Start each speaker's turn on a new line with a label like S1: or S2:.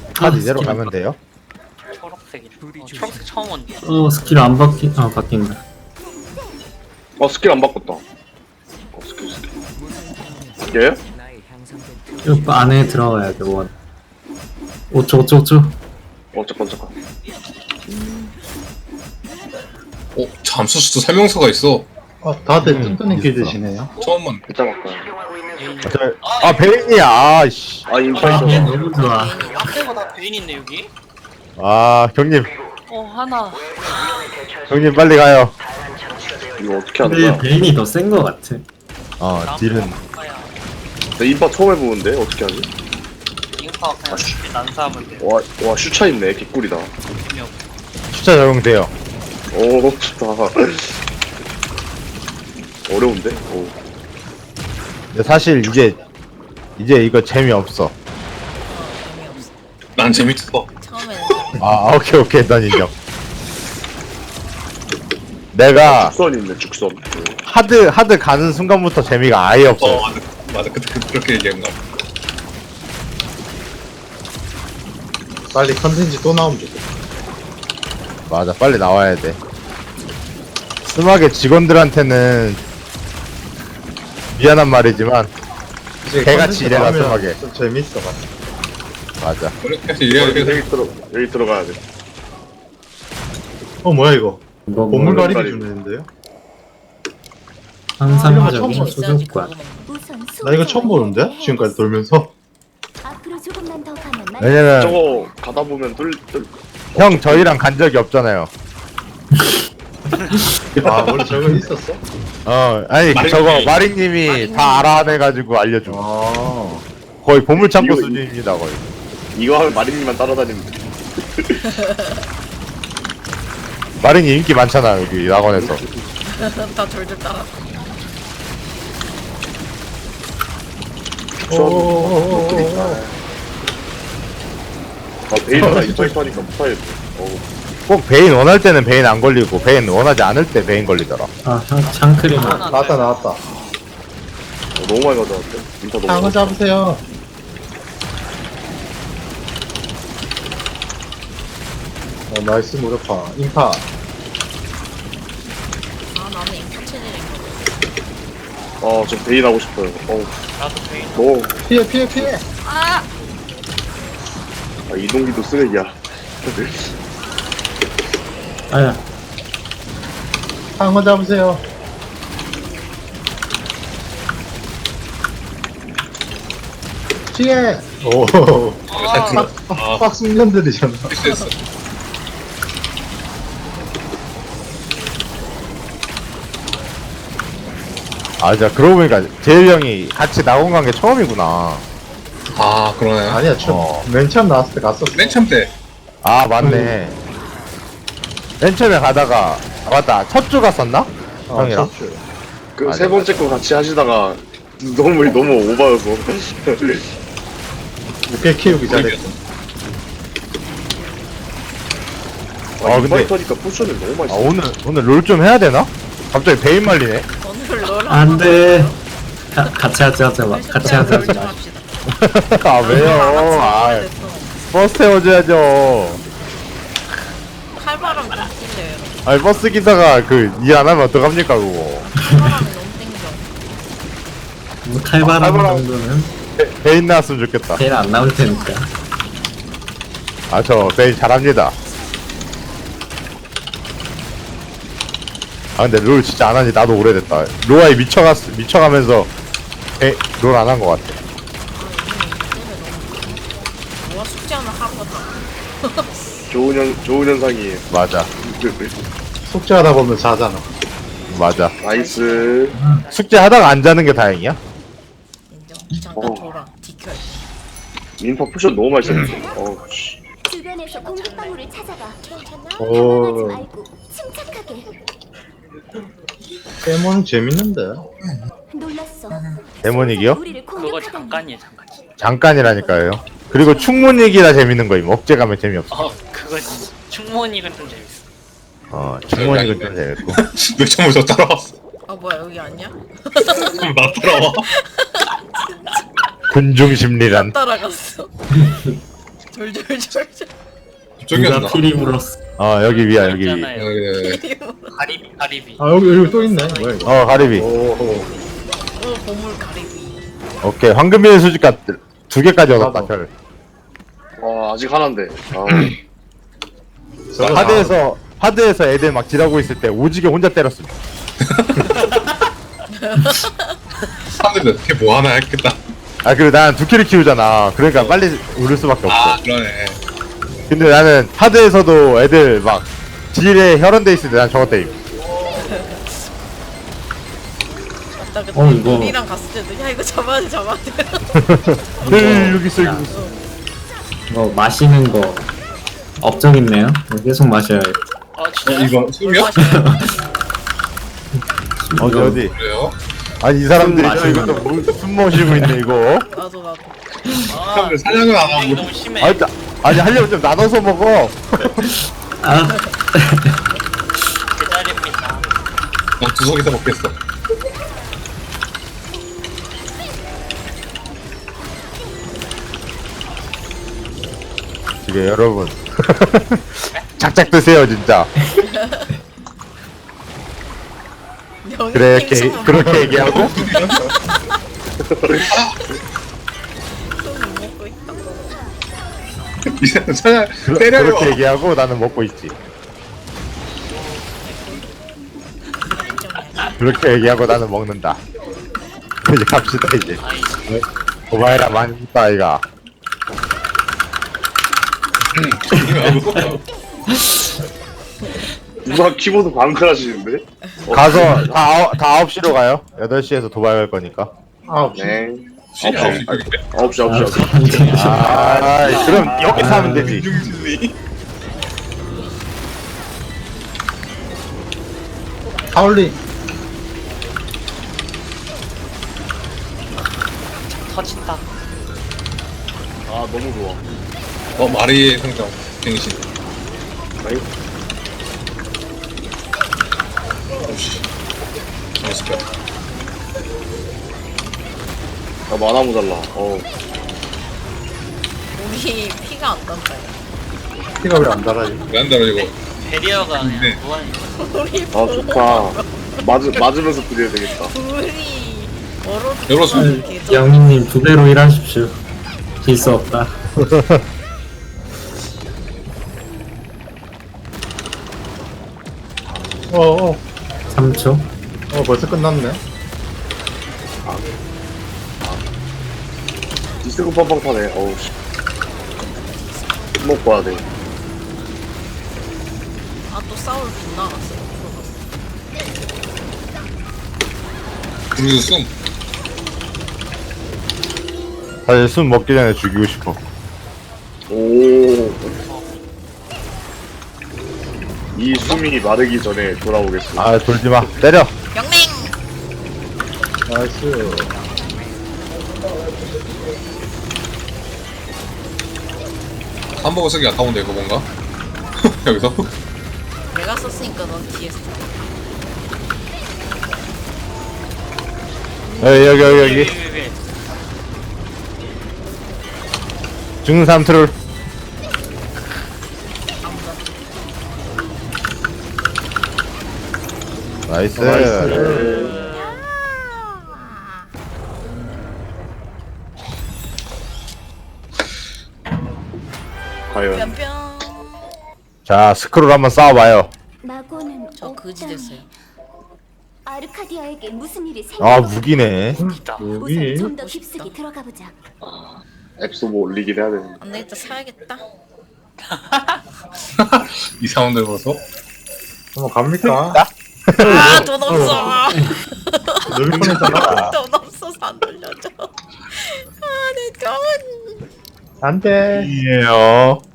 S1: 다 이대로 가면 돼요?
S2: 초록색이. 초록색 처음 온대.
S3: 스킬 안 바뀐다.
S4: 스킬 안 바꿨다. 스킬. 얘?
S3: 이거 안에 들어가야 돼, 원. 5초.
S4: 잠깐.
S5: 잠수수도 설명서가 있어.
S6: 다들 뜬끈하게 드시네요.
S5: 처음만.
S4: 일단 바꿔요.
S1: 베인이야. 아씨.
S4: 인파 있어.
S3: 너무 좋아.
S2: 앞에가 다 베인 있네 여기.
S1: 경님
S2: 하나.
S1: 경님 빨리 가요.
S4: 이거 어떻게 하는
S3: 근데
S4: 거야?
S3: 베인이 더 센 거 같아.
S1: 딜은
S4: 나 인파 처음 해보는데 어떻게 하지?
S2: 인파 그냥 난사하면 돼.
S4: 와 슈차 있네. 개꿀이다.
S1: 숫자 적용돼요.
S4: 오 좋다. 어려운데?
S1: 근데 사실 이제 이거 재미없어.
S5: 난 재밌어.
S7: 처음에는
S1: 오케이 난 인정. 내가
S4: 죽선 있네 죽선.
S1: 하드 가는 순간부터 재미가 아예 없어요.
S5: 맞아. 그렇게 얘기한 거.
S6: 빨리 컨텐츠 또 나오면 좋겠다.
S1: 맞아, 빨리 나와야 돼. 스마게 직원들한테는 미안한 말이지만
S6: 이제
S1: 개같이
S6: 컨텐츠
S1: 일해라,
S6: 나오면
S1: 끔하게.
S6: 좀 재밌어 같아.
S1: 맞아.
S5: 그렇게 해서 이래야
S4: 여기 들어가야 돼.
S6: 뭐야 이거?
S3: 이거
S6: 보물
S3: 뭐,
S6: 가리기 주는데요?
S3: 상상적인
S6: 처음
S7: 있어야지
S3: 소속관.
S6: 나 이거 처음 보는데? 지금까지 돌면서.
S8: 앞으로 조금만 더 가면
S1: 왜냐면
S4: 저거 가다 보면
S1: 형 저희랑 간 적이 없잖아요.
S6: 원래 저거 있었어?
S1: 아니
S5: 마링님이-
S1: 저거 마링님이 다 알아내가지고 알려준 거. 거의 보물창고
S4: 이거-
S1: 수준입니다 거의.
S4: 이거 하면 마린님만 따라다니면 돼.
S1: 마링님 인기 많잖아 여기 낙원에서.
S7: 다 졸졸 따라.
S4: 베이스가 인파이터 하니까 못하겠네.
S1: 꼭 베인 원할 때는 베인 안 걸리고 베인 원하지 않을 때 베인 걸리더라.
S3: 샹크림.
S6: 나왔다.
S4: 너무 많이 가져왔대. 인파 너무
S6: 상어
S4: 많이.
S6: 잡으세요. 나이스 무력화. 인파.
S7: 나는 인파 체질인 거.
S4: 저 베인 하고 싶어요.
S2: 나도 베인.
S4: 너무
S6: 피해.
S4: 이동기도 쓰레기야.
S3: 아야.
S6: 상어 잡으세요. 피해. 빡 숙련들이잖아.
S5: 됐어.
S1: 진짜 그러고 보니까 재일 형이 같이 낙원 간 게 처음이구나.
S5: 그러네.
S6: 아니야, 맨 처음 나왔을 때 갔었어.
S5: 맨 처음 때.
S1: 맞네. 맨 처음에 가다가 맞다 첫 주 갔었나? 형이랑.
S6: 첫 주.
S4: 그
S1: 맞아,
S4: 세 번째 거 같이 하시다가 너무 오바여서.
S6: 꽤 키우기 잘했어.
S1: 근데
S4: 인파이터니까 포션을 너무 많이 써.
S1: 오늘 롤 좀 해야 되나? 갑자기 베인 말리네.
S7: 오늘 롤
S3: 안 돼. 같이 하자 마. 같이 하자 마.
S1: 아 왜요? 버스 태워줘야죠.
S7: 칼바람 좀 찔려요.
S1: 아니 버스 기사가 일 안 하면 어떡합니까 그거.
S7: 칼바람이 너무 땡겨.
S3: 칼바람
S1: 칼바람.
S3: 정도는
S1: 베인 나왔으면 좋겠다.
S3: 제일 안 나올 테니까.
S1: 저 베인 잘합니다. 근데 롤 진짜 안 한지 나도 오래됐다. 로아에 미쳐가면서 롤 안 한 것 같아.
S7: 뭐가 숙제하면 하루가 다.
S4: 좋은 현상이에요.
S1: 맞아.
S6: 숙제하다 보면 자잖아.
S1: 맞아.
S4: 나이스.
S1: 숙제 하다가 안 자는 게 다행이야?
S7: 인정. 잠깐 돌아. 디켜.
S4: 인파 포션 너무 많이 썼어. 씨.
S8: 주변에서 공격방울을 찾아가. 괜찮아?
S6: 오.
S8: 당황하지 말고 침착하게.
S6: 데모는 재밌는데.
S8: 놀랐어.
S1: 데모닉이요?
S8: 우리를
S2: 그거
S8: 공격하다니.
S2: 잠깐이야 잠깐.
S1: 잠깐이라니까요. 그리고 충문이기라 재밌는 거임. 억제 가면 재미없어.
S2: 그거 충몬이는 좀 재밌어.
S1: 충문이는 좀 재밌고.
S5: 왜 처음부터 따라왔어?
S7: 뭐야 여기 아니야?
S5: 나 따라와.
S1: 군중 심리란.
S7: 따라갔어. 졸졸졸졸.
S5: 저기였나?
S3: 누가 피리 불었어.
S1: 여기 위야 여기 위.
S2: 있잖아요.
S5: 네.
S2: 가리비.
S6: 아 여기 또 있네. 뭐야 이거?
S1: 가리비.
S6: 오.
S7: 오 보물 가리비.
S1: 오케이 황금비의 수집가 2개까지 얻었다
S6: 나도.
S1: 별.
S4: 와 아직 하나인데. 아,
S6: 저거
S1: 하드에서 애들 막 지라고 있을 때 오지게 혼자 때렸음.
S5: 사람들이 어떻게 뭐 하나 했겠다.
S1: 그리고 난 2키를 키우잖아. 그러니까 빨리 우를 수밖에 없어.
S5: 아, 그러네.
S1: 근데 나는 하드에서도 애들 막 딜에 혈안돼 있을 때 난 저거 때림.
S7: 맞다 그때
S3: 이거.
S7: 우리랑 갔을 때도 야 이거 잡아야 돼.
S1: 여기 있어 여기 있어.
S3: 이거 마시는 거 업적 있네요. 이거 계속 마셔야겠다.
S2: 진짜?
S5: 이거 숨이요?
S1: 어디
S5: 그래요?
S1: 아니 이 사람들이
S3: 숨 마시는
S1: 이것도 숨 마시고 있네 이거.
S7: 나도.
S5: 사람들 사냥을 안
S2: 이거
S5: 하고.
S2: 너무 심해.
S1: 아니 하려면 좀 나눠서 먹어.
S3: 아,
S2: 제자리입니다.
S5: 두석이서 먹겠어.
S1: 지금 여러분 작작 드세요 진짜. 그래 그렇게 얘기하고
S7: 손을 먹고 있다.
S5: 이 사람 사냥 때려요.
S1: 그렇게 얘기하고 나는 먹고 있지. 그렇게 얘기하고 나는 먹는다. 이제 갑시다 이제. 오바이라 많이 있다 아이가.
S4: 누가 키보드 방클하시는데?
S1: 가서 다 9시로 가요. 8시에서 도발 갈 거니까.
S4: 네.
S5: 신이
S4: 9시.
S1: 그럼 여기서 하면 되지.
S6: 하울링.
S2: 터진다.
S4: 아 너무 좋아.
S5: 마리의 성장. 갱신.
S4: 아이,
S5: 오씨. 잘했을까?
S4: 나 만화 모자라.
S7: 우리 피가 안 난다.
S6: 피가 왜 안 달아지?
S5: 왜안 달아지고?
S2: 베리어가 그냥
S5: 네.
S2: 무한.
S7: 우리
S4: 아 좋다. 맞으면서 드려야 되겠다.
S7: 둘이 얼어.
S5: 열었으면
S3: 영희님 2배로 일하십시오. 질 수 없다.
S6: 어어.
S3: 3초.
S6: 벌써 끝났네.
S4: 디스코 빵빵 타네. 어우 씨. 먹고 와야 돼.
S7: 아또 싸울 빗나갔어.
S5: 우리도 숨.
S1: 사실 숨 먹기 전에 죽이고 싶어.
S4: 오. 이 숨이 마르기 전에 돌아오겠습니다.
S1: 돌지 마. 때려.
S7: 영맹.
S6: 나이스.
S5: 햄버거 쓰기 아까운데 이거 뭔가? 여기서?
S7: 내가 썼으니까 넌 뒤에 써.
S1: 여기.
S2: 위.
S1: 중삼 트롤. 나이스.
S4: 과연
S7: 뿅뿅.
S1: 자 스크롤 한번 싸워봐요.
S8: 마고는
S7: 저 그지 됐어요.
S8: 아르카디아에게 무슨 일이 생겨?
S1: 무기네.
S2: 있다.
S6: 여기.
S8: 우선 좀 더 깊숙이 들어가 보자.
S4: 앱소 뭐 올리긴 해야 되는데.
S7: 안 되겠다 사야겠다.
S5: 이 사운드 보소.
S6: 한번 갑니까?
S7: 아돈 없어.
S6: 여기 보냈잖아.
S7: 돈 없어서 안 돌려줘. 아내 돈.
S6: 안 돼.
S1: 이에요.